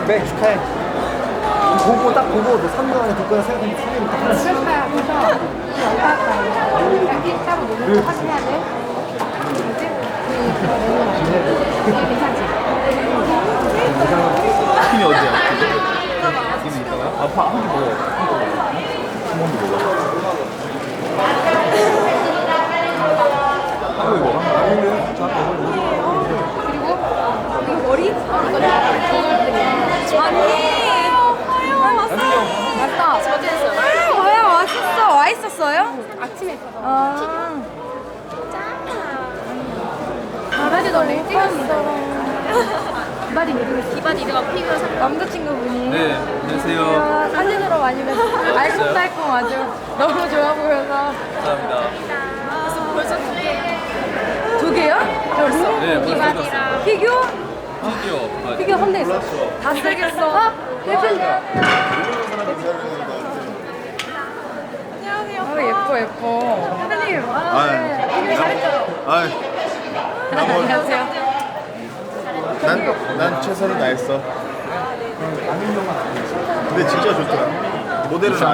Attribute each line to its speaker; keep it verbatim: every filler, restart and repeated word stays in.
Speaker 1: 네, 축하해. 보고 딱 보고 너 삼 년 안에 될 거야 생각했는데 삼 년이 딱 하나씩.
Speaker 2: 그럴까요? 그래서 이 얼마 할까요? 일 따로 노는 거 확인해야 돼. 뭐지? 그 괜찮지?
Speaker 3: 팀이 어디야? 팀이 있다가? 아파 한개 먹어. 한 번도 먹어. 한 번도 먹어. 아니면 저 아까 뭘 먹어?
Speaker 2: 그리고 이거 머리?
Speaker 4: 아니에요. 화요 왔어요.
Speaker 2: 맞다.
Speaker 4: 저지했어요.
Speaker 2: 아, 와야 왔었어. 와 있었어요?
Speaker 4: 아침에
Speaker 2: 아.
Speaker 4: 바바지 너무 찍었어.
Speaker 2: 기바디 누구?
Speaker 4: 기반 이드가 피규어 사.
Speaker 2: 남자친구분이.
Speaker 3: 네, 안녕하세요.
Speaker 2: 아, 사진으로 많이 뵀어요. 알콩달콩 아주 너무 좋아 보여서.
Speaker 3: 감사합니다.
Speaker 4: 그래서 벌써 두 개.
Speaker 2: 두 개요? 로
Speaker 3: 네, 벌써
Speaker 4: 기반이랑
Speaker 3: 줬어요.
Speaker 2: 피규어?
Speaker 3: 드디어.
Speaker 2: 피규어 한 대 있어. 다 쓰겠어. 아, 예쁜.
Speaker 4: 안녕하세요.
Speaker 2: 아, 예뻐 예뻐. 사장님. 아, 네. 피규어 잘했죠?
Speaker 5: 아이,
Speaker 2: 안녕하세요.
Speaker 5: 난, 난 최선을 다했어. 근데 진짜 좋더라. 모델은 안